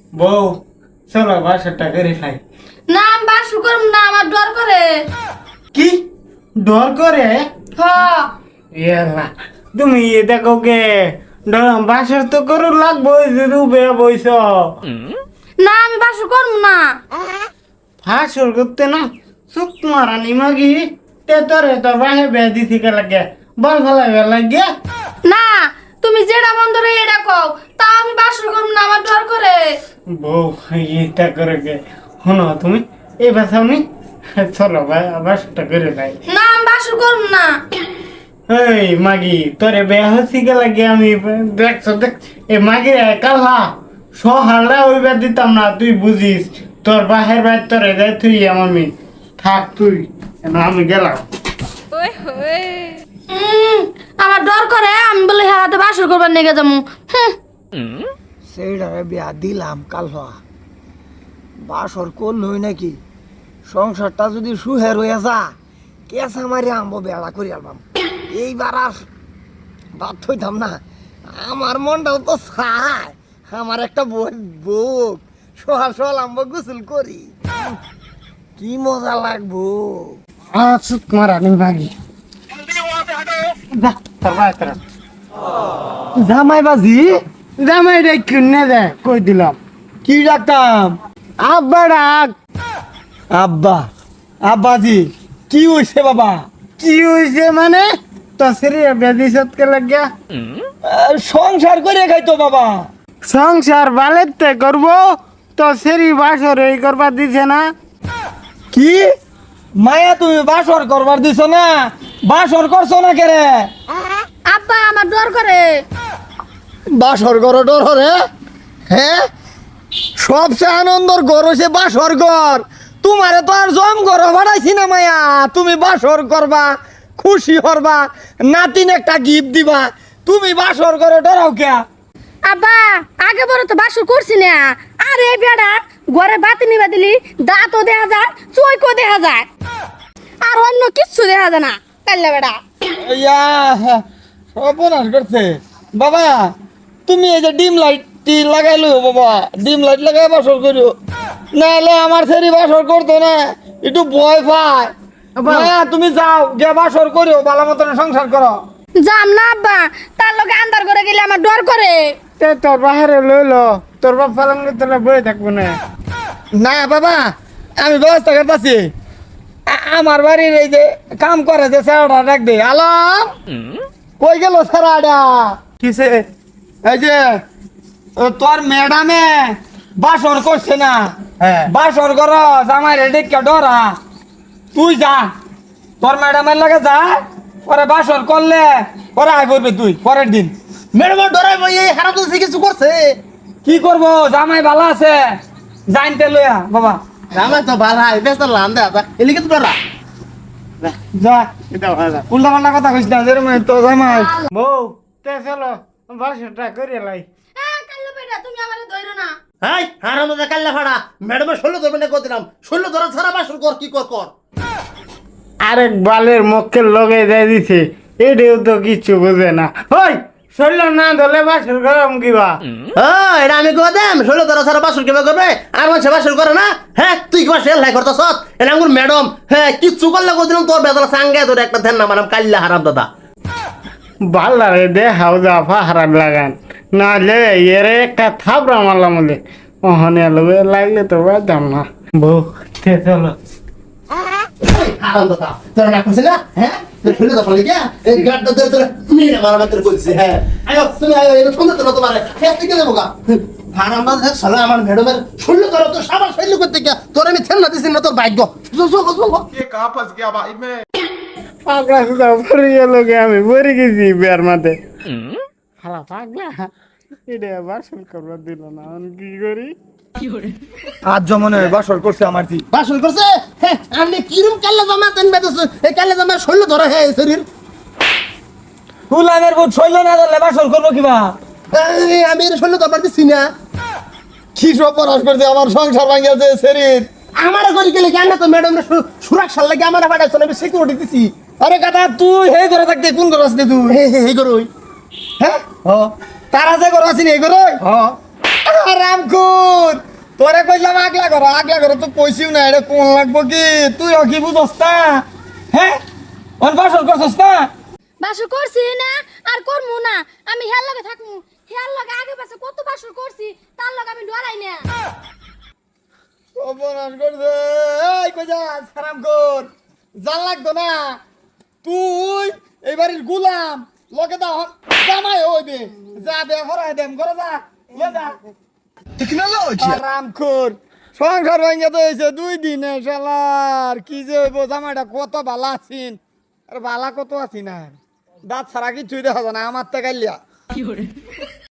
বউ চলো বাসাটা করে খাই। না আমি বাসু করব না, আমার ডর করে। কি ডর করে? হ ইয়াল্লা তুমি দেখো কে বাসার তো করু লাগবো রুবে বইস না আমি বাসু করব না। ফাঁসর করতে না সুখ মারানি মাগি তে তোরে তোর বাহে বেদি থেকে লাগে বল ফেলাইবে লাগে। না তুমি যেটা মন ধরে এটা কও, তা আমি বাসু করব না, আমার ডর করে। বউ এটা করে গে শোনো তুমি এই বাসাওনি চলো বাসাটা করে খাই। না আমি বাসু করব না। এই মাগি তোরে বেয়া হচ্ছি গে লাগে আমি দেখছো দেখ এ মাগি কালা সহালটা ওইবার দিতাম না, তুই বুঝিস তোর বাহের বাইর তোরে দেয় তুই আমি থাক তুই আমি গেলাম। আমার ডর করে, আমি বলে হাতে বাসু করবার নিয়ে যাবো। সেইটারে বিয়া দিলাম কাল হওয়া বাসর করলই নাকি সংসারটা যদি সুহের হয়ে যা কেসা মারি আনবো বেড়া করি আলবাম। এইবার আর বাদ হইতাম না, আমার মনটাও তো চায় আমার একটা বুক সোহাল সোহাল আনবো গোসল করি, কি মজা লাগবো। সুখ মারানি মাগি যা তোর বাই তোর জামাই বাজি জামাই রে কিনে দে কই দিলাম। কি ডাকতাম? আব্বা ডাক। আব্বা আব্বাজি কি হইছে বাবা? কি হয়েছে মানে তো শ্রী বেদি সৎকে লাগিয়া সংসার করে খাইতো বাবা। সংসার বালেতে করবো তো শ্রী বাসর এই করবার দিছে না। কি মায়া তুমি বাসর করবার দিছ না? বাসর করছো না কেরে? আব্বা আমার ডর করে। বাসর ঘর ডর রে? হ্যাঁ সবচেয়ে আনন্দর ঘর হচ্ছে বাসর ঘর। তোমারে তো আর জম ঘর বাড়াইছি না মায়া, তুমি বাসর করবা খুশি হরবা নাতিন একটা গিফট দিবা, তুমি বাসর ঘর ডরাও কে? আব্বা আগে বড় তো বাসু করছি না, আর এই বেড়া ঘরে বাতি নিবা দিলি দাঁতও দেখা যায়, চৈকও দেখা যায়, আর অন্য কিচ্ছু দেখা যায় না। কাল্লা বেড়া ইয়া সর্বনাশ করছে বাবা। তুমি এই যে ডিম লাইটটি লাগাইলো বাবা, ডিম লাইট লাগাই বাসর করিও, নাহলে আমার ছেড়ে বাসর করতো না, একটু ভয় পায়। মায়া তুমি যাও গিয়ে বাসর করিও, ভালো মতন সংসার করো। যাম না আব্বা, তার লোকে আন্দার করে গেলে আমার ডর করে। তে তোর বাহারে লইলো তোর বাপ পালঙ্গে তোরা বয়ে থাকবো না। না বাবা আমি ব্যবস্থা করতেছি। আমার বাড়ির এই যে কাম করে যে স্যারটা ডাক দে। আলম কই গেল স্যারাডা? কিসে? এই যে তোর ম্যাডামে বাসর করছে না, হ্যাঁ বাসর কর জামাই রেডি কে ডরা, তুই যা তোর ম্যাডামের লাগে যা, পরে বাসর করলে পরে আয় করবি তুই পরের দিন। ম্যাডাম ডরাই ভাই এই খারাপ তো কিছু করছে। কি করবো জামাই ভালো আছে জানতে লইয়া বাবা। আমার তো ভালো হয় বেশ লাম দে আপা এলিকে তো ডরা যা এটা ভালো। উল্টা পাল্টা কথা কইস না, যেরকম তো জামাই। বউ তে চলো বাসাটা করে লাই। কাল্লা বেড়া তুমি আমারে ধইরো না। হাই হারাম দাদা কাল্লা ফাড়া ম্যাডামের 16 ধরবে না কত দিলাম 16 ধরা ছাড়া বাসর কর কি কর কর। আরেক বালের মক্কেল লগে দিয়ে দিছে, এটাও তো কিচ্ছু বোঝে না। ওই শরীর না ধরলে বাসর গরম কিবা। হ্যাঁ এটা আমি কই দেম 16 ধরা ছাড়া বাসর কিভাবে করবে? আর মানুষ বাসর করে না। হ্যাঁ তুই কি বাসর লাই করতাছ? এটা আমার ম্যাডাম হ্যাঁ কিচ্ছু করলে কত দিলাম তোর বেদলা সাঙ্গে তোর একটা ধ্যান না মানাম কাল্লা হারাম দাদা। বাল্লারে দে হাউজা ফাহারান লাগান না লে এরে একটা থাপড়া মারলাম বলে ওহনে লবে লাগলে তো বাদাম না। বউ তে চলো। হারাম দাদা তোর না কইছ না? হ্যাঁ তোর ছেলে তো বলে গিয়া এই গাড়টা ধরে তোর মেরে মারা মাত্র কইছে। হ্যাঁ আয়ো তুমি আয়ো এটা সুন্দর তো তোমার হ্যাঁ থেকে দেবো গা। হারাম দাদা সালা আমার ম্যাডামের 16 ধরা তো সাবাস ফেললো করতে গিয়া তোর আমি ছেলে না দিছি না তোর ভাগ্য। ये कहाँ फंस गया भाई मैं। পাগলা সুদা পড়িয়ে লোকে আমি পড়ে গেছি বিয়ার মাঠে। হালা পাগলা এটা বাসন করবার দিল না, আমি কি করি? আজ জমনে বাসর করছে আমার জি। বাসন করছে হ্যাঁ আমি কিরম কাল্লা জামা তেন বেদছ এই কাল্লা জামা 16 ধরা হ্যাঁ শরীর। ফুলানের বুট শৈল না ধরলে বাসর করবো কিবা? আমি এর 16 ধরবার দিছি না। কি সব পরাশ করছে আমার সংসার ভাঙিয়েছে শরীর। আমার করি গেলে কেন তো ম্যাডাম সুরক্ষার লাগে আমার পাঠাইছ আমি সিকিউরিটি দিছি। আরে গাদা তুই হে করে থাকতে কোন করে আসলে তুই? এই করই হ্যাঁ তারা যে করে আসিনি এই করে? হ্যাঁ রামকুন তোরে কইলাম আগলা করো তো কইছিও না এটা কোন লাগবো কি তুই কি বুঝস না হ্যাঁ অন বাসর করছস না বাসর করছি না আর করমু না আমি হেয়ার লগে থাকমু হেয়ার লগে আগে পাশে কত বাসর করছি তার লগে আমি ডরাই না অপরাধ করছে এই কই যা সারাম কর জান লাগতো না তুই এই বাড়ির গুলাম লগে দাও জামাই হইবে যা বে হরাই দেম করে যা লে যা টেকনোলজি আরাম কর সংসার ভেঙে তো হয়েছে 2 দিনে শালার কি যে হইব জামাইটা কত ভালো আছিন আর ভালা কত আছি না দাঁত ছাড়া কিছুই দেখা যায় না আমার তো গাইলিয়া